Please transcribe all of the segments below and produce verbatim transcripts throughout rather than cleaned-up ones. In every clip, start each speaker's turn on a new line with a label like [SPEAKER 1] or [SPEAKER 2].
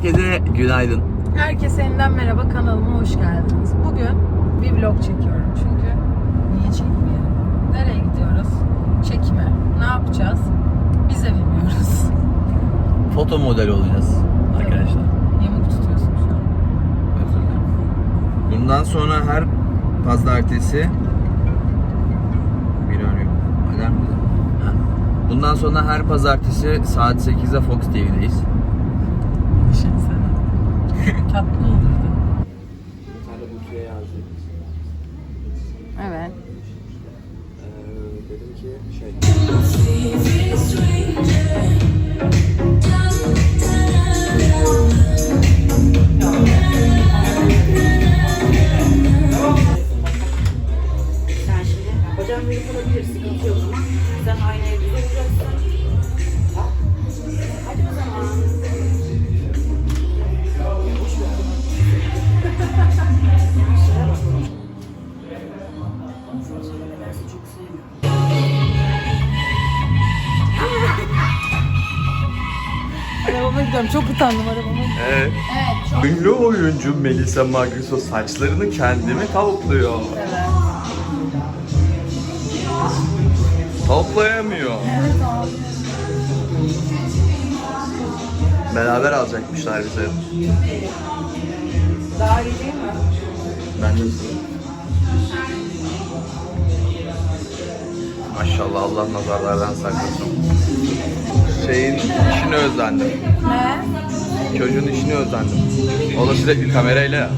[SPEAKER 1] Herkese günaydın.
[SPEAKER 2] Herkese yeniden merhaba, kanalıma hoş geldiniz. Bugün bir vlog çekiyorum çünkü niye çekmeyelim? Nereye gidiyoruz? Çekime. Ne yapacağız? Biz de bilmiyoruz.
[SPEAKER 1] Foto model olacağız arkadaşlar.
[SPEAKER 2] Yamuk tutuyorsun şu an.
[SPEAKER 1] Özür dilerim. Bundan sonra her pazartesi bir arıyor. Alarm mı? Ha. Bundan sonra her pazartesi saat sekizde Fox T V'deyiz.
[SPEAKER 2] Düşünsene. Tatlı olurdu. Evet.
[SPEAKER 1] Ee, dedim ki şey...
[SPEAKER 3] Sen şimdi hocam beni bulabilir, sıkıntı yok ama sen aynı evde olacaksın. Hadi o zaman. Çok sevmiyorum.
[SPEAKER 2] Arabama gidiyorum. Çok utandım arabama.
[SPEAKER 1] Evet.
[SPEAKER 2] Evet, çok.
[SPEAKER 1] Ünlü oyuncu Melisa Magrisso saçlarını kendimi tavukluyor.
[SPEAKER 2] Evet.
[SPEAKER 1] Toplayamıyor.
[SPEAKER 2] Evet abi.
[SPEAKER 1] Beraber alacakmışlar bize.
[SPEAKER 2] Daha iyi değil mi?
[SPEAKER 1] Ben de Maşallah, Allah nazarlardan saklasın. Şeyin işini özlendim.
[SPEAKER 2] Ne?
[SPEAKER 1] Çocuğun işini özlendim. O da sürekli kamerayla ya.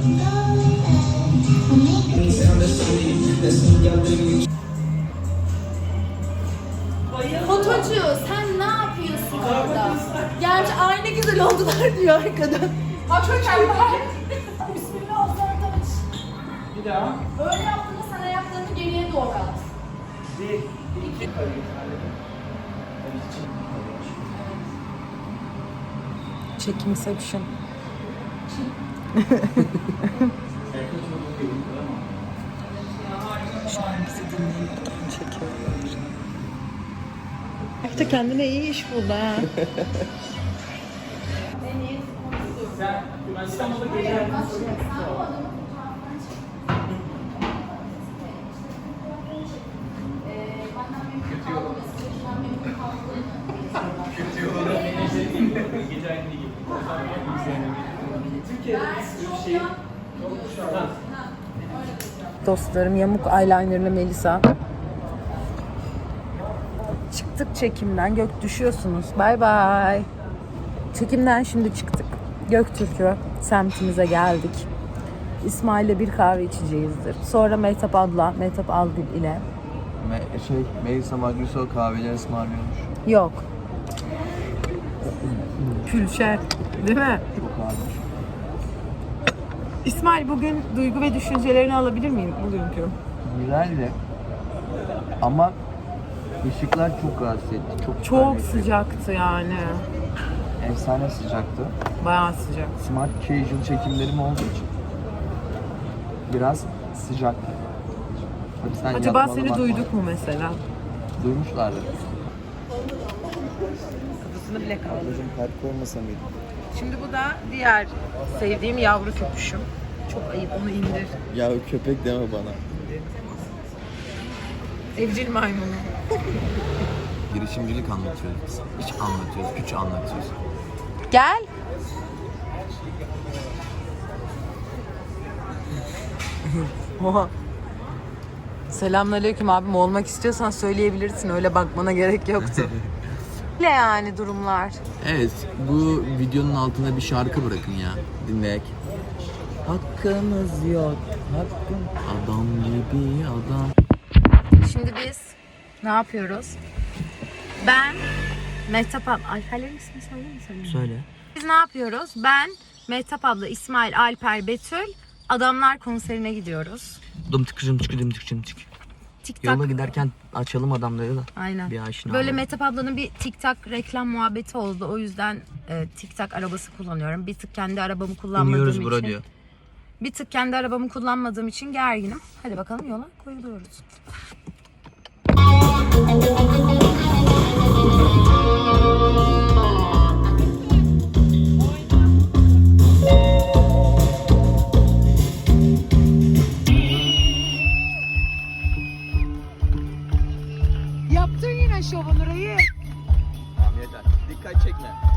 [SPEAKER 4] Fotocu sen ne yapıyorsun orada? Gerçi aynı güzel oldular diyor arkadan. Açıyorlar. Bismillah oradan aç. Bir daha. Böyle yaptığında sen ayaklarını geriye doğru at. Bir, iki.
[SPEAKER 2] Çekimception. Şu an bizi dinleyip çekiyorlar. İşte kendine iyi iş buldu ha. Dostlarım, yamuk eyelinerlı Melisa. Çıktık çekimden. Gök düşüyorsunuz. Bay bay. Çekimden şimdi çıktık. Göktürk'ü semtimize geldik. İsmail'le bir kahve içeceğizdir. Sonra Mehtap abla, Mehtap Algül ile.
[SPEAKER 1] Me- şey, Melisa Magrisso kahveleri ısmarlıyormuş.
[SPEAKER 2] Yok. Külşer. Değil mi?
[SPEAKER 1] Çok ağırmış.
[SPEAKER 2] İsmail, bugün duygu ve düşüncelerini alabilir miyim bugünkü?
[SPEAKER 1] Güzeldi. Ama ışıklar çok rahatsız etti. Çok,
[SPEAKER 2] Çok
[SPEAKER 1] güzeldi.
[SPEAKER 2] sıcaktı yani.
[SPEAKER 1] Efsane sıcaktı.
[SPEAKER 2] Bayağı sıcak.
[SPEAKER 1] Smart casual çekimlerim olduğu için biraz sıcaktı. Tabii sen
[SPEAKER 2] Acaba
[SPEAKER 1] yapmalı
[SPEAKER 2] seni
[SPEAKER 1] bakma.
[SPEAKER 2] duyduk mu mesela?
[SPEAKER 1] Duymuşlardır.
[SPEAKER 2] Kafasını bile kaldı.
[SPEAKER 1] Ablacığım kalp koymasa mıydı?
[SPEAKER 2] Şimdi bu da diğer sevdiğim yavru köpüşüm. Çok ayıp, onu indir.
[SPEAKER 1] Ya köpek deme bana.
[SPEAKER 2] Evcil maymunu.
[SPEAKER 1] Girişimcilik anlatıyoruz biz. İç anlatıyoruz, güç anlatıyoruz.
[SPEAKER 2] Gel. Oha. Selamünaleyküm abim, olmak istiyorsan söyleyebilirsin, öyle bakmana gerek yoktu. Ne yani durumlar?
[SPEAKER 1] Evet, bu videonun altına bir şarkı bırakın ya, dinleyek. Hakkımız yok, hakkım. Adam gibi adam.
[SPEAKER 2] Şimdi biz ne yapıyoruz? Ben Mehtap abla... Alperlerin ismini söyleyeyim mi? Söyleyeyim mi?
[SPEAKER 1] Söyle.
[SPEAKER 2] Biz ne yapıyoruz? Ben, Mehtap abla, İsmail, Alper, Betül Adamlar konserine gidiyoruz.
[SPEAKER 1] Dım tıkıcım tıkı dım tıkıcım tık.
[SPEAKER 2] TikTok.
[SPEAKER 1] Yola giderken açalım adamları da.
[SPEAKER 2] Aynen.
[SPEAKER 1] Bir aşina.
[SPEAKER 2] Böyle
[SPEAKER 1] olalım.
[SPEAKER 2] Mehtap ablanın bir TikTok reklam muhabbeti oldu. O yüzden e, TikTok arabası kullanıyorum. Bir tık kendi arabamı kullanmadığım
[SPEAKER 1] İniyoruz
[SPEAKER 2] için.
[SPEAKER 1] bura diyor.
[SPEAKER 2] Bir tık kendi arabamı kullanmadığım için gerginim. Hadi bakalım yola koyuluyoruz. Yaptın yine şovunu reis.
[SPEAKER 1] Tamam yeter. Dikkat çekme.